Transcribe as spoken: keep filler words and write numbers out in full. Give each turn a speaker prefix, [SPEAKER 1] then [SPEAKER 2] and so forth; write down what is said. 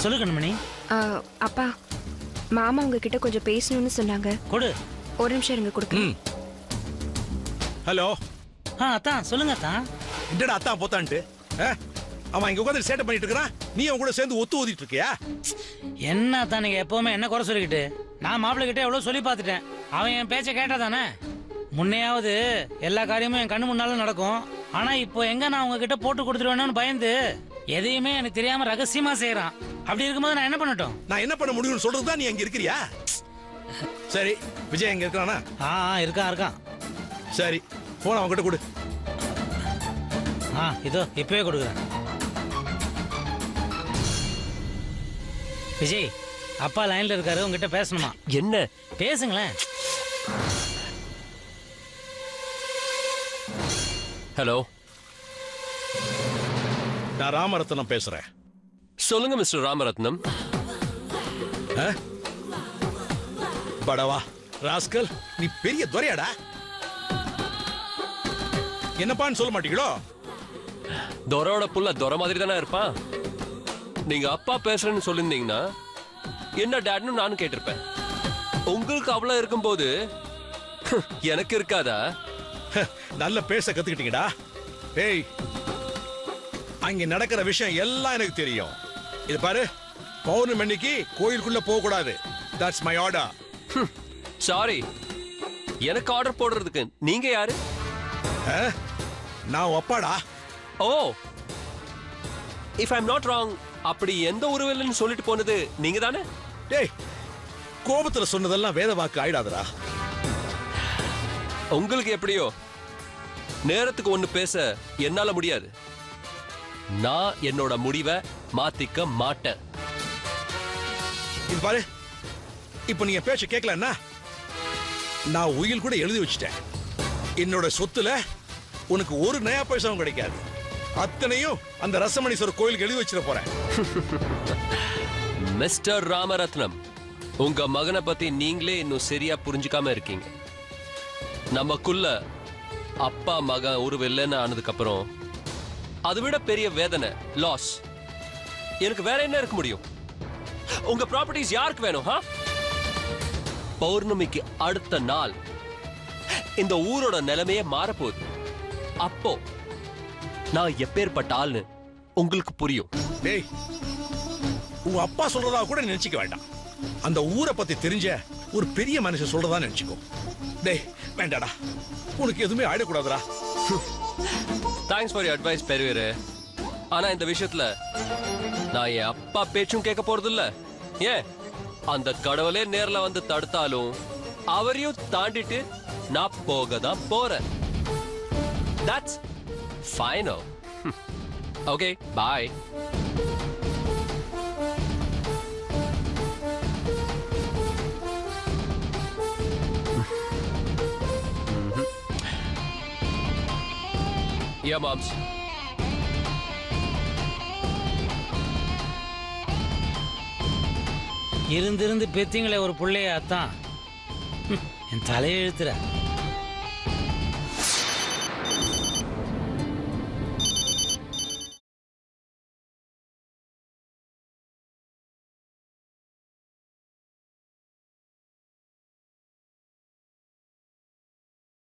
[SPEAKER 1] சொல்லு கண்மணி.
[SPEAKER 2] அப்பா மாமா உங்ககிட்ட கொஞ்சம் பேசணும்னு சொன்னாங்க.
[SPEAKER 1] கொடு.
[SPEAKER 2] ஒரு நிமிஷம் இருங்க கொடுக்குறேன்.
[SPEAKER 3] ஹலோ.
[SPEAKER 1] ஆ அத்தான் சொல்லுங்க அத்தான்.
[SPEAKER 3] என்னடா அத்தான் போத்தான்ட்டு? அவன் இங்க உட்காந்து சேட்டை பண்ணிட்டு இருக்கான், நீ அவன் கூட சேர்ந்து ஒத்து ஊதிட்டு இருக்கியா?
[SPEAKER 1] என்ன அத்தான் நீங்க எப்பவுமே என்ன குறை சொல்லிக்கிட்டு? நான் மாப்பிள்ளை கிட்ட எவ்வளவு சொல்லி பார்த்துட்டேன், அவன் என் பேச்சை கேட்டா தானே. முன்னையாவது எல்லா காரியமும் என் கண்ணு முன்னால நடக்கும். ஆனா இப்போ எங்க நான் உங்ககிட்ட போட்டு கொடுத்துருவேன்னு பயந்து எதையுமே எனக்கு தெரியாம ரகசியமா செய்யறான். அப்படி இருக்கும்போது நான் என்ன பண்ணட்டும்?
[SPEAKER 3] நான் என்ன பண்ண முடியும்னு சொல்றதுதான் நீ அங்க இருக்கிறியா? சரி, விஜய் எங்க இருக்கானா?
[SPEAKER 1] ஆ இருக்கான் இருக்கான்.
[SPEAKER 3] சரி, போன அவன்கிட்ட கொடு.
[SPEAKER 1] ஆ இதோ இப்பவே கொடுக்குறேன். விஜய், அப்பா லைன்ல இருக்காரு, உங்ககிட்ட பேசணுமா?
[SPEAKER 4] என்ன?
[SPEAKER 1] பேசுங்களேன்.
[SPEAKER 4] ஹலோ,
[SPEAKER 3] நான் ராமரத்னம் பேசுறேன்.
[SPEAKER 4] சொல்லுங்க மிஸ்டர் ராமரத்னம்.
[SPEAKER 3] படவா ராஸ்கல், நீ பெரிய துரையாடா. என்னப்பான்னு சொல்ல மாட்டீங்களோ?
[SPEAKER 4] துரோட புள்ள துரை மாதிரி தானே இருப்பான். நீங்க அப்பா பேசுறேன்னு சொல்லிருந்தீங்கன்னா என்ன டேட்னு நானும் கேட்டிருப்பேன். உங்களுக்கு அவ்வளவு இருக்கும்போது எனக்கு இருக்காதா?
[SPEAKER 3] நல்ல பேச கத்துக்கிட்டீங்கடா. ஏய், அங்க நடக்கிற விஷயம் எல்லாம் எனக்கு தெரியும். இது பாரு, பௌர்ணமி அன்னைக்கு கோயிலுக்குள்ள போக கூடாது. That's my order.
[SPEAKER 4] சாரி, எனக்கு ஆர்டர் போடுறதுக்கு நீங்க யாரு?
[SPEAKER 3] நான் அப்பாடா.
[SPEAKER 4] Oh, if I am not wrong, அப்படி எந்த உருவல்னு சொல்லிட்டு போனது நீங்க தானே?
[SPEAKER 3] டேய், கோபத்துல சொன்னதெல்லாம் வேத வாக்கு ஆயிடாதடா.
[SPEAKER 4] உங்களுக்கு எப்படியோ, நேரத்துக்கு ஒண்ணு பேச என்னால முடியாது. நான் என்னோட முடிவை மாத்திக்க மாட்டேன்.
[SPEAKER 3] இது பாரு, இப்ப நீங்க பேச்ச கேட்கலன்னா நான் உயில் கூட எழுதி வச்சிட்டேன். என்னோட சொத்துல உனக்கு ஒரு நயா பைசாவும் கிடைக்காது. அத்தனையும் அந்த ரசமணீஸ்வரர் கோயிலுக்கு எழுதி வச்சிட போறேன்.
[SPEAKER 4] மிஸ்டர் ராமரத்னம், உங்க மகனை பத்தி நீங்களே இன்னும் சரியா புரிஞ்சுக்காம இருக்கீங்க. நமக்குள்ள அப்பா மகன் ஒரு வெள்ளன்னு ஆனதுக்கு அப்புறம் அதை விட பெரிய வேதனை, லாஸ். எனக்கு வேற என்ன இருக்க முடியும்? உங்க ப்ராப்பர்ட்டிஸ் யாருக்கு வேணும்? பௌர்ணமிக்கு அடுத்த நாள் இந்த ஊரோட நிலைமையே மாறப்போகுது. அப்போ நான் எப்பேற்பட்ட ஆள்னு உங்களுக்கு புரியும்.
[SPEAKER 3] டேய், உங்க அப்பா சொல்றதா கூட நினைச்சுக்க வேண்டாம். அந்த ஊரை பத்தி தெரிஞ்ச ஒரு பெரிய மனுஷன் சொல்றதா நினைச்சுக்கோ. டேய் வேண்டாடா, உனக்கு எதுவுமே ஆயிடக்கூடாதுடா.
[SPEAKER 4] தேங்க்ஸ் ஃபார் யுவர் அட்வைஸ் பெரியவரே. ஆனா இந்த விஷயத்துல நான் என் அப்பா பேச்சும் கேட்க போறது இல்ல. ஏன், அந்த கடவுளே நேர்ல வந்து தடுத்தாலும் அவரையும் தாண்டிட்டு நான் போக தான் போறேன். That's final. Okay, bye. Yeah, moms.
[SPEAKER 1] இருந்திருந்து பெத்தீங்களே ஒரு பிள்ளைய, அத்தான் என் தலையை இழுத்துற.